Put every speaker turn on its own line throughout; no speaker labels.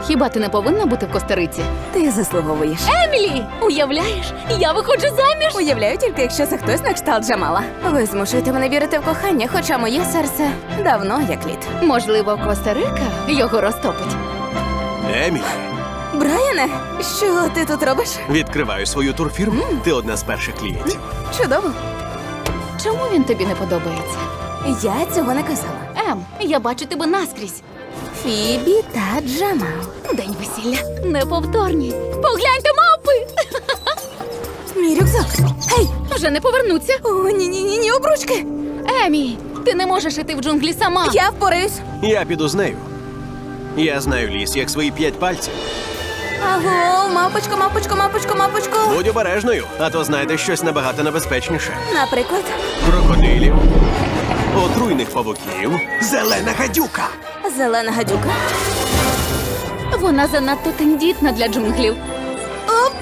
Хіба ти не повинна бути в Коста-Риці?
Ти заслуговуєш.
Емілі! Уявляєш, я виходжу заміж!
Уявляю тільки, якщо це хтось на кшталт Джамала. Ви змушуєте мене вірити в кохання, хоча моє серце давно як лід.
Можливо, Коста-Рика його розтопить.
Емілі,
Брайане, що ти тут робиш?
відкриваю свою турфірму. Ти одна з перших клієнтів.
Чудово.
Чому він тобі не подобається?
Я цього не казала.
Я бачу тебе наскрізь.
Фібі та Джамал.
День весілля. Неповторні. Погляньте, мавпи!
Мій рюкзак. Гей!
Вже не повернуться.
О, ні, обручки.
Емі, ти не можеш іти в джунглі сама.
Я впораюсь.
Я піду з нею. Я знаю ліс, як свої 5 пальців.
Аго, мапочко.
Будь обережною, а то знайдеш щось набагато небезпечніше.
Наприклад,
Крокодилів, отруйних павуків, зелена гадюка.
зелена гадюка.
Вона занадто тендітна для джунглів.
Оп!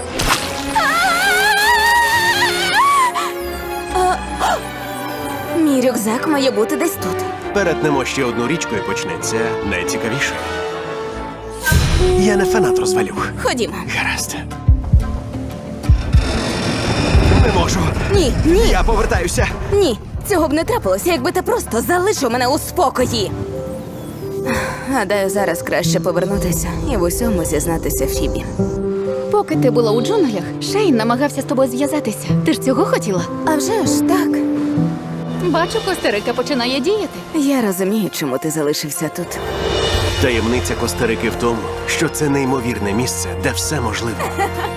Мій рюкзак має бути десь тут.
Перетнемо ще одну річку і почнеться найцікавіше. Я не фанат розвалюх.
Ходімо.
Гаразд. Не можу.
Ні.
Я повертаюся.
Ні, цього б не трапилося, якби ти просто залишив мене у спокої. Гадаю, зараз краще повернутися і в усьому зізнатися Фібі.
Поки ти була у джунглях, Шейн намагався з тобою зв'язатися. Ти ж цього хотіла?
А вже ж так.
Бачу, Коста-Рика починає діяти.
Я розумію, чому ти залишився тут.
Таємниця Коста-Рики в тому, що це неймовірне місце, де все можливо.